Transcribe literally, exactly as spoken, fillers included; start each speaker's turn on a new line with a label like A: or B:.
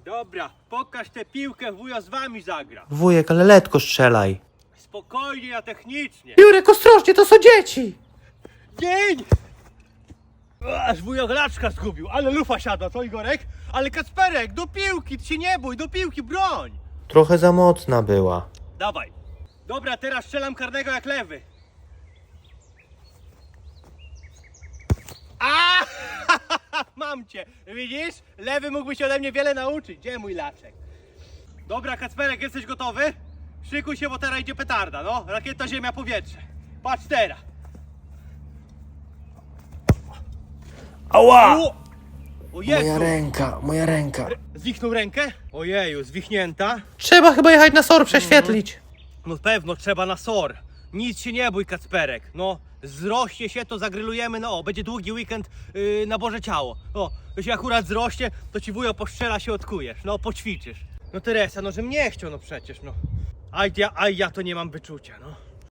A: Dobra, pokaż tę piłkę, wujo z wami zagra.
B: Wujek, ale letko strzelaj.
A: Spokojnie, a technicznie.
B: Jurek, ostrożnie, to są dzieci!
A: Dzień! Aż wujo laczka zgubił, ale lufa siada, co Igorek? Ale Kacperek, do piłki, ty się nie bój, do piłki, broń!
B: Trochę za mocna była.
A: Dawaj. Dobra, teraz strzelam karnego jak lewy. A! Mam cię, widzisz? Lewy mógłby się ode mnie wiele nauczyć. Gdzie mój laczek? Dobra, Kacperek, jesteś gotowy? Szykuj się, bo teraz idzie petarda, no. Rakieta, ziemia, powietrze. Patrz teraz.
B: Ała!
A: O! O Jezu!
B: ręka, moja ręka.
A: Zwichnął rękę? Ojeju, zwichnięta.
B: Trzeba chyba jechać na S O R prześwietlić.
A: No pewno, trzeba na S O R. Nic się nie bój, Kacperek. No, zrośnie się, to zagrylujemy, no, będzie długi weekend yy, na Boże Ciało. O, to się akurat zrośnie, to ci wujo postrzela, się odkujesz, no, poćwiczysz. No Teresa, no, żem nie chciał, no przecież, no. Aj ja, aj ja to nie mam wyczucia, no.